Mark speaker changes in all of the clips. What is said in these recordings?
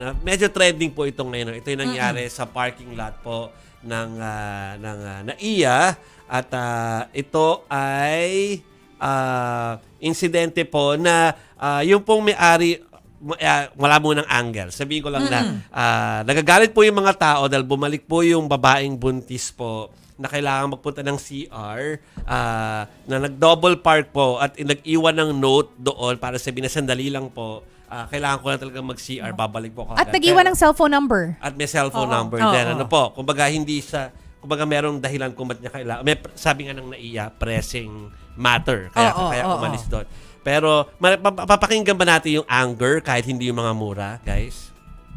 Speaker 1: Medyo trending po ito ngayon. Ito yung nangyari sa parking lot po ng NAIA at ito ay insidente po na yung pong may-ari wala munang angle. Sabihin ko lang na nagagalit po yung mga tao dahil bumalik po yung babaeng buntis po na kailangan magpunta ng CR na nag-double park po at nag-iwan ng note doon para sabihin na sandali lang po. Kailangan ko na talaga mag-CR, babalik po
Speaker 2: At nag-iwan ng cellphone number.
Speaker 1: At may cellphone number din. Ano po, kumbaga hindi sa, kumbaga merong dahilan kung ba't niya kailangan. May, sabi nga ng NAIA, pressing matter. Kaya umalis doon. Pero, papakinggan ba natin yung anger kahit hindi yung mga mura, guys?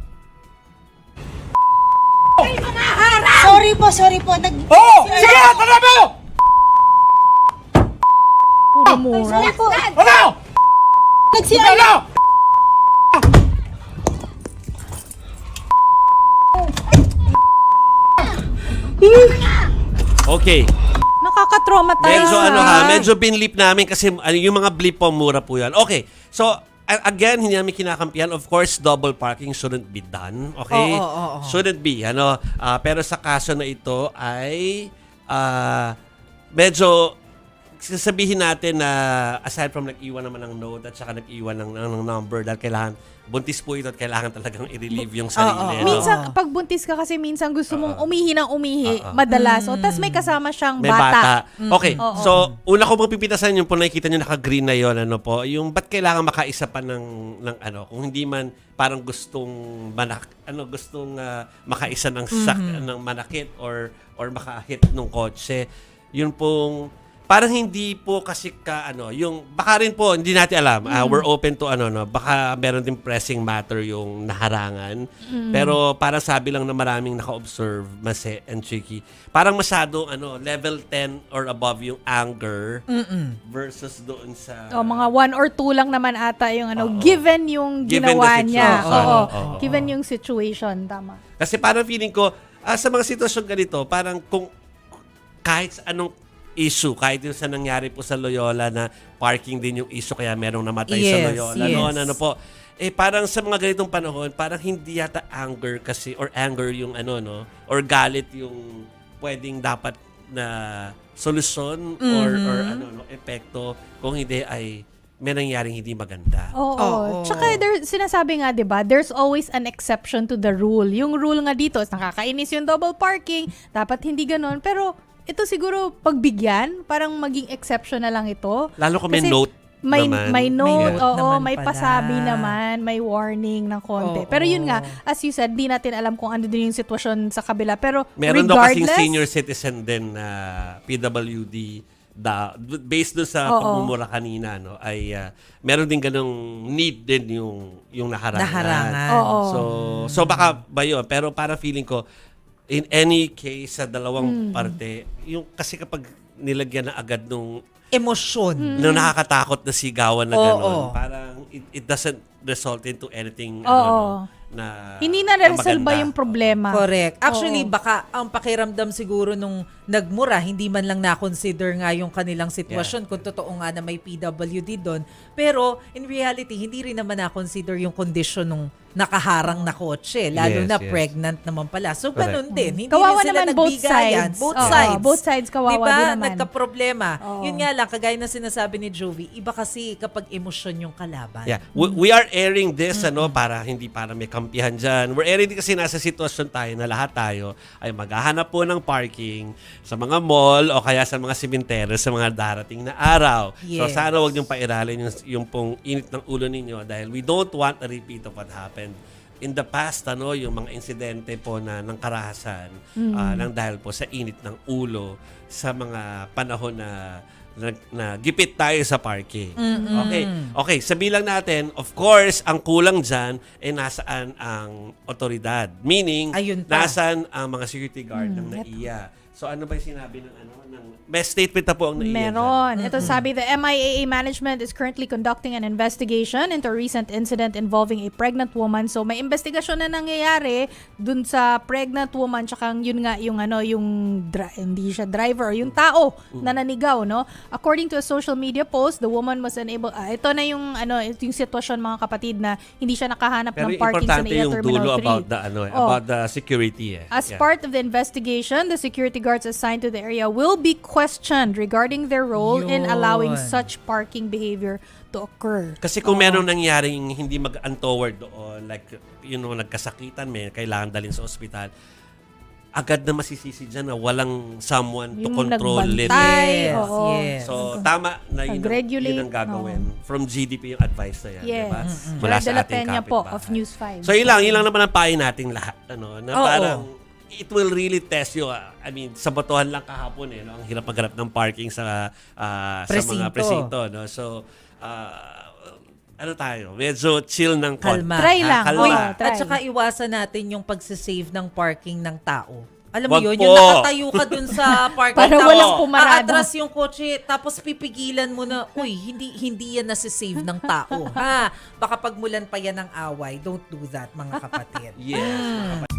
Speaker 3: Sorry po.
Speaker 4: Sige! Tara mo!
Speaker 2: Puro mura.
Speaker 3: Sorry po.
Speaker 4: Ano?
Speaker 3: Nag-CR
Speaker 4: Ano?
Speaker 1: Okay.
Speaker 2: Nakaka-traumatize.
Speaker 1: Medyo binlip namin kasi yung mga blip po, mura po yan. Okay. So, again, hindi namin kinakampihan. Of course, double parking shouldn't be done. Okay? Shouldn't be. Pero sa kaso na ito ay medyo sasabihin natin na aside from nag-iwan naman ng note at saka nag-iwan ng number dahil kailangan, buntis po ito at kailangan talagang i-relieve yung sarili.
Speaker 2: Minsan, pag buntis ka kasi minsan gusto mong umihi ng umihi, madalas. Tapos may kasama siyang
Speaker 1: May
Speaker 2: bata.
Speaker 1: Okay. So, una ko pong pipitasan yung po nakikita nyo naka-green na yon, yung ba't kailangan makaisa pa ng kung hindi man parang gustong makaisa ng ng manakit or makahit ng kotse. Yun pong parang hindi po kasi yung baka rin po hindi natin alam. We're open to baka meron din pressing matter yung naharangan. Pero parang sabi lang na maraming naka-observe, Mase and Chicky. Parang masyado level 10 or above yung anger versus doon sa
Speaker 2: mga 1 or 2 lang naman ata yung given yung ginawa niya. Given yung situation, tama.
Speaker 1: Kasi parang feeling ko sa mga sitwasyon ganito, parang kung kahit anong issue, kahit yung sa nangyari po sa Loyola na parking din yung issue kaya merong namatay sa Loyola.
Speaker 2: Yes.
Speaker 1: Parang sa mga ganitong panahon, parang hindi yata anger kasi or anger yung or galit yung pwedeng dapat na solusyon or epekto kung hindi ay may nangyaring hindi maganda.
Speaker 2: Tsaka sinasabi nga, 'di ba, there's always an exception to the rule. Yung rule nga dito, nakakainis yung double parking, dapat hindi ganoon. Pero ito siguro pagbigyan, parang maging exception na lang ito.
Speaker 1: Lalo kung may
Speaker 2: kasi
Speaker 1: note naman.
Speaker 2: May note, may
Speaker 3: pala.
Speaker 2: pasabi naman, may warning ng konti. Pero yun nga, as you said, di natin alam kung ano din yung sitwasyon sa kabila. Pero
Speaker 1: meron daw kasing
Speaker 2: regardless,
Speaker 1: senior citizen din na PWD based doon sa pagmumura kanina ay meron din ganung need din yung naharangan. So baka ba yun? Pero para feeling ko in any case sa dalawang parte, yung kasi kapag nilagyan na agad nung
Speaker 3: Emosyon.
Speaker 1: nung nakakatakot na sigawan na gano'n, parang it doesn't result into anything na
Speaker 2: hindi na resolve
Speaker 1: maganda.
Speaker 2: yung problema.
Speaker 3: Correct. Actually, baka ang pakiramdam siguro nung nagmura, hindi man lang na-consider nga yung kanilang sitwasyon kung totoo nga na may PWD doon. Pero in reality, hindi rin naman na-consider yung condition nung nakaharang na kotse. Lalo na pregnant naman pala. So, ganun din. Hindi
Speaker 2: Kawawa
Speaker 3: rin sila
Speaker 2: naman both
Speaker 3: nagbigayan.
Speaker 2: sides.
Speaker 3: Both
Speaker 2: Oo,
Speaker 3: sides.
Speaker 2: both sides kawawa
Speaker 3: diba?
Speaker 2: din naman.
Speaker 3: Nagka-problema. Yun nga lang, kagaya na sinasabi ni Jovi, iba kasi kapag emosyon yung kalaban.
Speaker 1: Yeah. We are airing this para hindi para may kampihan dyan. We're airing din kasi nasa sitwasyon tayo na lahat tayo ay maghahanap po ng parking sa mga mall o kaya sa mga simenteryo sa mga darating na araw. So sana wag niyong pairalin yung pong init ng ulo ninyo dahil we don't want a repeat of what happened in the past, yung mga insidente po na ng karahasan nang dahil po sa init ng ulo sa mga panahon na gipit tayo sa parking. Okay, sabihin lang natin, of course, ang kulang dyan ay nasaan ang otoridad. Meaning, nasaan ang mga security guard ng NAIA. So ano ba yung sinabi ng may statement na po ang naiyan
Speaker 2: Meron. Ito sabi, the MIAA management is currently conducting an investigation into a recent incident involving a pregnant woman. So may investigasyon na nangyayari dun sa pregnant woman tsaka yun nga yung hindi siya driver, yung tao na nanigaw, no? According to a social media post, the woman was unable ito na yung yung sitwasyon mga kapatid na hindi siya nakahanap
Speaker 1: Pero
Speaker 2: ng parking sa
Speaker 1: importante
Speaker 2: NAIA
Speaker 1: yung
Speaker 2: Terminal
Speaker 1: dulo
Speaker 2: 3.
Speaker 1: about the security
Speaker 2: As part of the investigation, the security guards assigned to the area will be questioned regarding their role in allowing
Speaker 3: Yun.
Speaker 2: such parking behavior to occur.
Speaker 1: Kasi kung meron nangyaring hindi mag-untoward doon, like, nagkasakitan, may kailangan dalhin sa ospital, agad na masisisi dyan na walang someone to
Speaker 2: Yung
Speaker 1: control it.
Speaker 2: nagbantay,
Speaker 3: Yes,
Speaker 2: oo.
Speaker 3: yes.
Speaker 1: So, tama na yun
Speaker 2: Nag-regulate,
Speaker 1: ang gagawin. From GDP yung advice na yan.
Speaker 2: Yes.
Speaker 1: Diba?
Speaker 2: Mula
Speaker 1: Mula sa ating
Speaker 2: Peña po
Speaker 1: kapitbahay.
Speaker 2: of News 5.
Speaker 1: So, yun lang naman ang payo nating lahat. Na
Speaker 3: Oo.
Speaker 1: parang, it will really test you. I mean, sabotohan lang kahapon no? Ang hirap maghanap ng parking sa mga
Speaker 3: Presinto.
Speaker 1: presinto. No? So, tayo? Medyo chill ng konti.
Speaker 3: Kalma.
Speaker 2: Try lang.
Speaker 1: Kalma.
Speaker 2: Oo, try.
Speaker 3: At saka iwasan natin yung pagsisave ng parking ng tao. Alam
Speaker 1: Wag
Speaker 3: mo yun,
Speaker 1: po.
Speaker 3: yung nakatayo ka dun sa parking.
Speaker 2: Para
Speaker 3: tapos
Speaker 2: walang pumarada.
Speaker 3: aatras yung kotse, tapos pipigilan mo na, uy, hindi yan nasisave ng tao. Ha? Baka pagmulan pa yan ng away. Don't do that, mga kapatid.
Speaker 1: Yes.